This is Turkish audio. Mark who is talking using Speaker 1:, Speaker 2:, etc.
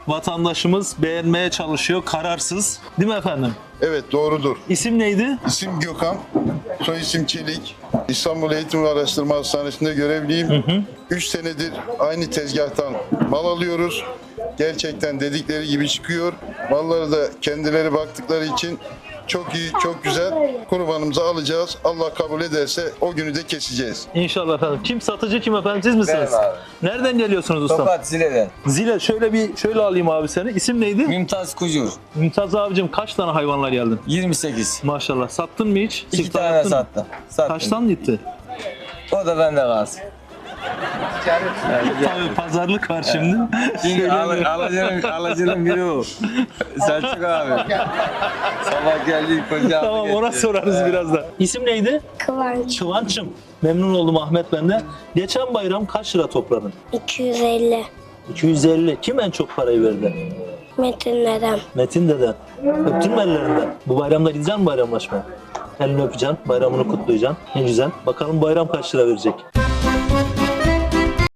Speaker 1: vatandaşımız beğenmeye çalışıyor, kararsız. Değil mi efendim?
Speaker 2: Evet, doğrudur.
Speaker 1: İsim neydi?
Speaker 2: İsim Gökhan, soy isim Çelik. İstanbul Eğitim ve Araştırma Hastanesi'nde görevliyim. 3 senedir aynı tezgahtan mal alıyoruz. Gerçekten dedikleri gibi çıkıyor. Malları da kendileri baktıkları için çok iyi, çok güzel. Kurbanımızı alacağız. Allah kabul ederse o günü de keseceğiz.
Speaker 1: İnşallah efendim. Kim satıcı, kim efendim, siz misiniz?
Speaker 3: Benim abi.
Speaker 1: Nereden geliyorsunuz ustam?
Speaker 3: Tokat Zile'den.
Speaker 1: Zile, şöyle alayım abi seni. İsim neydi?
Speaker 3: Mümtaz Kucur.
Speaker 1: Mümtaz abicim, kaç tane hayvanla geldin?
Speaker 3: 28.
Speaker 1: Maşallah. Sattın mı hiç?
Speaker 3: 2
Speaker 1: Siftah
Speaker 3: tane
Speaker 1: yaptın mı?
Speaker 3: sattım. Sattım.
Speaker 1: Kaçtan gitti?
Speaker 3: O da bende kalsın.
Speaker 1: Tabii pazarlık var şimdi.
Speaker 3: Şimdi alıcının biri o. Selçuk abi. Sabah geldi koca
Speaker 1: Tamam, ona sorarız birazdan. İsim neydi?
Speaker 4: Kıvanç
Speaker 1: Çıvanç'ım. Memnun oldum Ahmet ben de. Geçen bayram kaç lira topladın?
Speaker 4: 250
Speaker 1: 250. Kim en çok parayı verdi?
Speaker 4: Metin dedem.
Speaker 1: Metin deden. Öptün mü ellerinden? Bu bayramda gideceksin mi bayramlaşmaya? Elini öpeceksin, bayramını kutlayacaksın. Ne güzel. Bakalım bayram kaç lira verecek?